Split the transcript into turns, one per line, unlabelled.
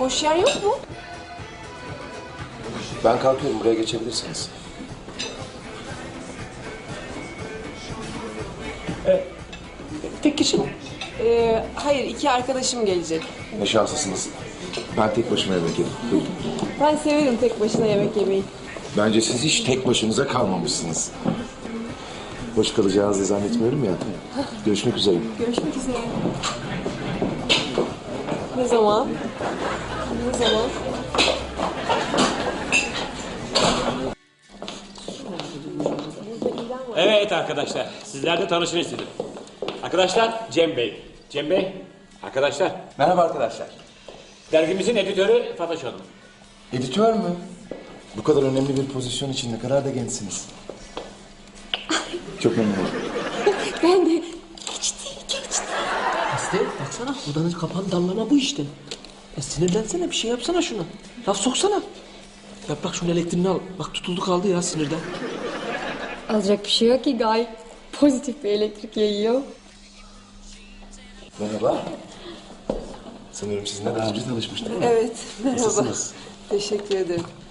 Boş yer yok mu?
Ben kalkıyorum, buraya geçebilirsiniz.
Tek kişi mi?
Hayır, 2 arkadaşım gelecek.
Ne şanslısınız. Ben tek başıma yemek yedim. Buyurun.
Ben severim tek başına yemek yemeyi.
Bence siz hiç tek başınıza kalmamışsınız. Boş kalacağınızı zannetmiyorum ya. Görüşmek üzere.
Görüşmek üzere. Ne zaman? Ne zaman?
Evet arkadaşlar, sizlerle tanışın istedim. Arkadaşlar, Cem Bey. Cem Bey, arkadaşlar.
Merhaba arkadaşlar.
Dergimizin editörü Fatoş Hanım.
Editör mü? Bu kadar önemli bir pozisyon için ne kadar da gençsiniz. Çok memnun oldum.
Ben de.
Aslı baksana odanın kapanı dallama bu işte. Sinirlensene bir şey yapsana şuna. Laf soksana. Yaprak şunun elektriğini al. Bak tutuldu kaldı ya sinirden.
Alacak bir şey yok ki, gayet pozitif bir elektrik yayıyor.
Merhaba. Sanıyorum sizinle daha önce tanışmıştık.
Evet, merhaba.
Nasılsınız?
Teşekkür ederim.